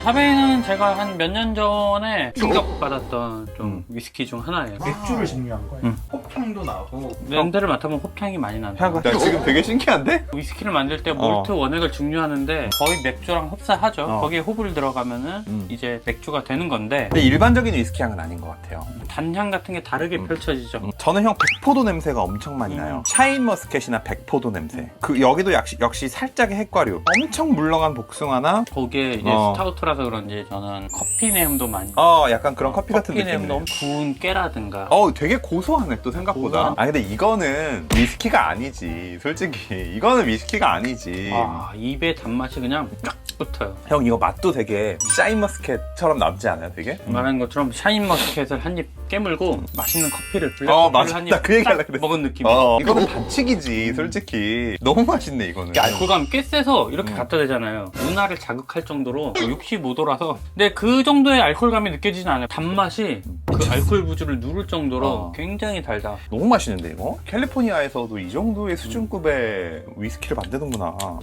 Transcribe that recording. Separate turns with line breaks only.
사베인은 제가 한 몇 년 전에 충격받았던 좀 위스키 중 하나예요.
맥주를 증류한 거예요.
응.
호향도 나고.
냄새를 맡아보면 홉향이 많이 난다.
야, 지금 되게 신기한데?
위스키를 만들 때 몰트 원액을 증류하는데 거의 맥주랑 흡사하죠. 거기에 호불 들어가면은 이제 맥주가 되는 건데
근데 일반적인 위스키 향은 아닌 것 같아요.
단향 같은 게 다르게 펼쳐지죠.
저는 형 백포도 냄새가 엄청 많이 나요. 샤인 머스켓이나 백포도 냄새. 그 여기도 역시 살짝의 핵과류. 엄청 물렁한 복숭아나
거기에 이제 스타우트라서 그런지 저는 커피 내음도 많이.
약간 그런 커피 같은
커피
느낌.
내음도 구운 깨라든가.
되게 고소하네 또 생각보다.
고소한?
아 근데 이거는 위스키가 아니지. 솔직히 이거는 위스키가 아니지.
입에 단맛이 그냥 쫙 붙어요.
형 이거 맛도 되게 샤인 머스켓처럼 남지 않아요 되게?
말하는 것처럼 샤인 머스켓을 한 입 깨물고 맛있는 커피를 블랙커피를
맞아.
한
나 그 얘기 하려고
입
그랬어.
먹은 느낌.
이거는 반칙이지 솔직히. 너무 맛있네 이거는.
알코올감이 꽤 세서 이렇게 갖다 대잖아요. 눈알을 자극할 정도로 65도라서. 근데 그 정도의 알코올감이 느껴지진 않아요. 단맛이 그 알코올 부주를 누를 정도로 굉장히 달다.
너무 맛있는데 이거? 캘리포니아에서도 이 정도의 수준급의 위스키를 만드는구나.